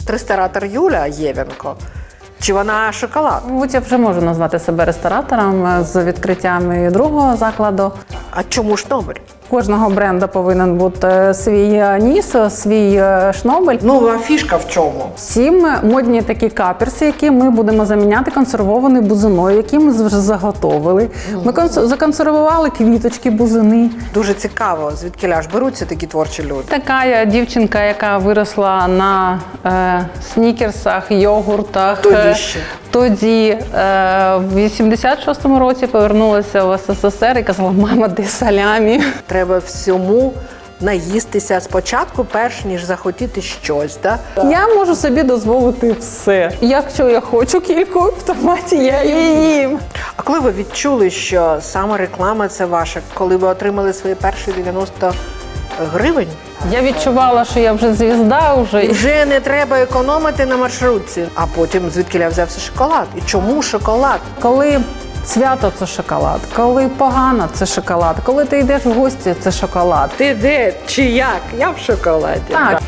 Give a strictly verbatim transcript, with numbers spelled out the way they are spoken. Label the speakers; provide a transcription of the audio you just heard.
Speaker 1: ресторатор Юля Євенко? Чи вона шоколад?
Speaker 2: Мабуть, я вже можу назвати себе ресторатором з відкриттям і другого закладу.
Speaker 1: А чому Шнобель?
Speaker 2: Кожного бренду повинен бути свій ніс, свій шнобель.
Speaker 1: Ну, а фішка в чому?
Speaker 2: Сім модні такі каперси, які ми будемо заміняти консервованою бузиною, які ми вже заготовили. Ми конс- законсервували квіточки, бузини.
Speaker 1: Дуже цікаво, звідки ляж беруться такі творчі люди.
Speaker 2: Така я дівчинка, яка виросла на е, снікерсах, йогуртах.
Speaker 1: Тоді ще.
Speaker 2: Тоді е, в вісімдесят шостому році повернулася в ес ес ес ер і казала: мама, де салямі?
Speaker 1: Треба всьому наїстися спочатку, перш ніж захотіти щось, так?
Speaker 2: Я можу собі дозволити все. Якщо я хочу кільку в томаті, я її їм.
Speaker 1: А коли ви відчули, що саме реклама – це ваша? Коли ви отримали свої перші дев'яносто гривень?
Speaker 2: Я відчувала, що я вже звізда, вже.
Speaker 1: І вже не треба економити на маршрутці. А потім звідки взявся шоколад? І чому шоколад?
Speaker 2: Коли свято – це шоколад, коли погано – це шоколад, коли ти йдеш в гості – це шоколад.
Speaker 1: Ти де? Чи як? Я в шоколаді.
Speaker 2: Так.